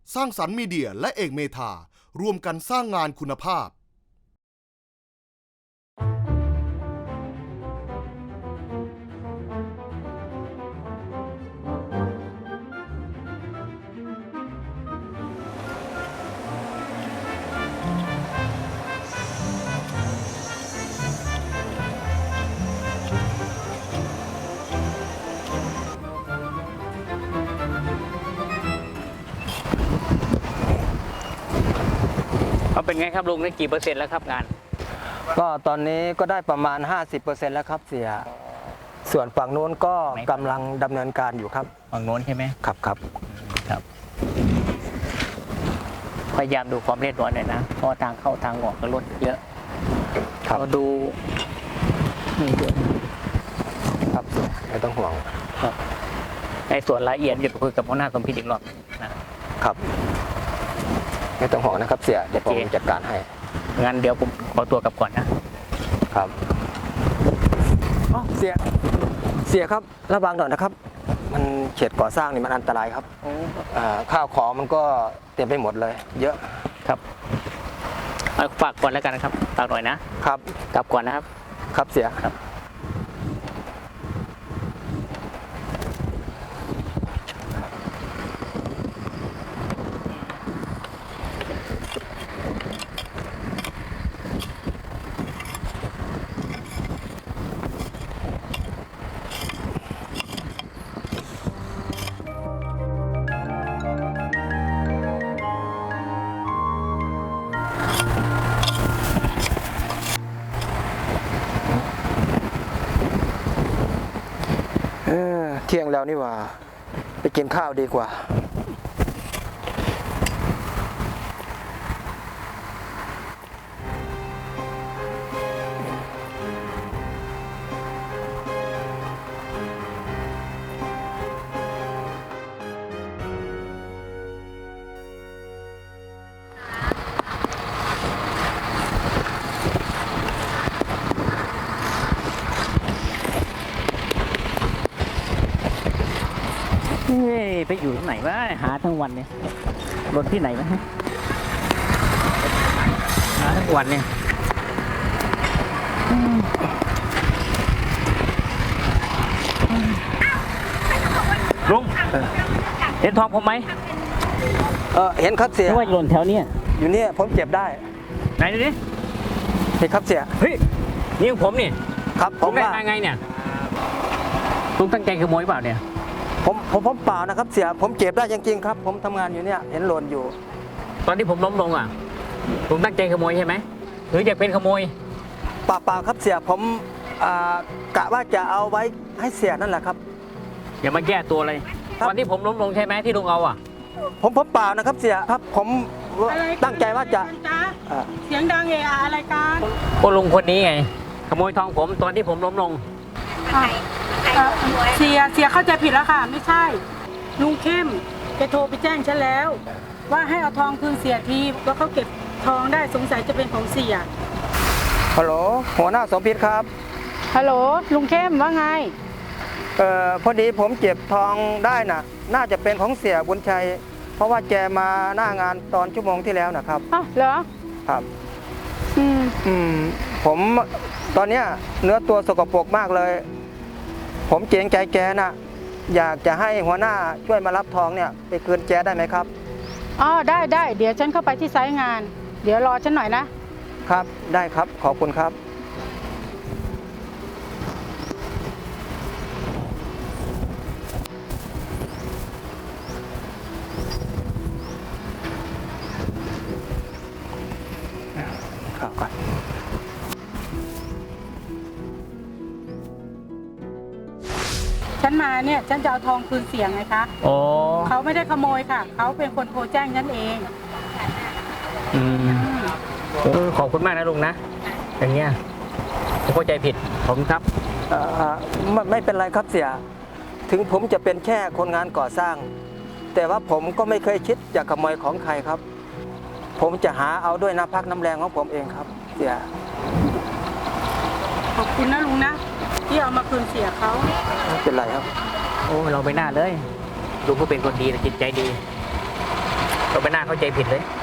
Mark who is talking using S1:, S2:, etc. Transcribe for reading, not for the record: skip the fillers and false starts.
S1: สร้างสรรค์มีเดียและเอกเมธาร่วมกันสร้างงานคุณภาพ
S2: เอาเป็นไงครับลุงได้กี่เปอร์เซ็นต์แล้วครับงาน
S3: ก็ตอนนี้ก็ได้ประมาณ 50%แล้วครับเสียส่วนฝั่งโน้นก็กำลังดำเนินการอยู่ครับ
S2: ฝั่งโน้นใช่ไหม
S3: ครับ
S2: ครับพยายามดูความเรียบร้อยหน่อยนะเพราะทางเข้าทางออกก็รถเยอะเราดูนี่ด้วย
S3: ครับไม่ต้องห่วง
S2: ครับในส่วนรายละเอียดจะคุยกับหัวหน้าสมพิษอีกรอบนะครับ
S3: ไม่ต้องห่วงนะครับเสียเดี๋ยวผมจัดการให้
S2: งั้นเดี๋ยวผมขอตัวกลับก่อนนะครับ
S3: เสียครับระวังหน่อยนะครับมันเขตก่อสร้างนี่มันอันตรายครับข้าวของมันก็เต็มไปหมดเลยเยอะ
S2: ครับฝากก่อนแล้วกันนะครับฝากหน่อยนะครับกลับก่อนนะครับ
S3: ครับเสียครับเที่ยงแล้วนี่ว่าไปกินข้าวดีกว่า
S2: ไปอยู่ที่ไหนวะหาทั้งวันเนี่ยรถที่ไหนวะหาทั้งวันเนี่ยลุงเห็นทองผมไหม
S3: เห็นครับเสีย
S2: ว่าหล่นแถวนี้
S3: อยู่เนี่ยผมเก็บได้
S2: ไหนดูดิ
S3: เห็นครับเสีย
S2: เฮ้ยนี่ของผมนี่
S3: ครับผม
S2: ได้ไงเนี่ยลุงตั้งใจขโมยเปล่าเนี่ย
S3: ผมเปล่านะครับเสียผมเก็บได้จริงๆครับผมทำงานอยู่เนี่ยเห็นหล่นอยู่
S2: ตอนที่ผมล้มลงอ่ะลุงตั้งใจขโมยใช่ไหมหรืออยากเป็นขโมย
S3: เปล่าครับเสียผมกะว่าจะเอาไว้ให้เสียนั่นแหละครับ
S2: อย่ามาแก้ตัวเลยตอนที่ผมล้มลงใช่ไหมที่ลุงเอาอ่ะ
S3: ผมเปล่านะครับเสียครับผมตั้งใจว่าจะ
S4: เสียงดังเอะอะไรกัน
S2: ก็ลุงคนนี้ไงขโมยทองผมตอนที่ผมล้มลง
S4: เสียเข้าใจผิดแล้วค่ะไม่ใช่ลุงเข้มแกโทรไปแจ้งฉันแล้วว่าให้เอาทองคืนเสียทีว่าเขาเก็บทองได้สงสัยจะเป็นของเสีย
S3: ฮัลโหลหัวหน้าสมพิษครับ
S4: ฮัลโหลลุงเข้มว่าไง
S3: พอดีผมเก็บทองได้น่าจะเป็นของเสียบุญชัยเพราะว่าแกมาหน้างานตอนชั่วโมงที่แล้วนะครับ
S4: อ้าวเหรอ
S3: ครับผมตอนเนี้ยเนื้อตัวสกปรกมากเลยผมเกรงใจแกนะอยากจะให้หัวหน้าช่วยมารับทองเนี่ยไปคืนแกได้ไหมครับ
S4: อ๋อได้เดี๋ยวฉันเข้าไปที่ไซต์งานเดี๋ยวรอฉันหน่อยนะครับ
S3: ได้ครับขอบคุณครับข้าวก่อน
S4: ฉันมาเนี่ยฉันจะเอาทองคืนเสียงไงคะเขาไม่ได้ขโมยค่ะเขาเป็นคนโทรแจ้งฉันเอง
S2: ขอบคุณมากนะลุงนะอย่างเงี้ยผมเข้าใจผิดผมครับ
S3: ไม่เป็นไรครับเสียถึงผมจะเป็นแค่คนงานก่อสร้างแต่ว่าผมก็ไม่เคยคิดจะขโมยของใครครับผมจะหาเอาด้วยน้ำพักน้ำแรงของผมเองครับเสีย
S4: ขอบคุณนะลุงนะที่เอามาคืนเสียเขา
S3: ไม่เป็นไรครับ
S2: โอ้เราไปหน้าเลยลุงก็เป็นคนดีนะจิตใจดีก็ไม่น่าเข้าใจผิดเลย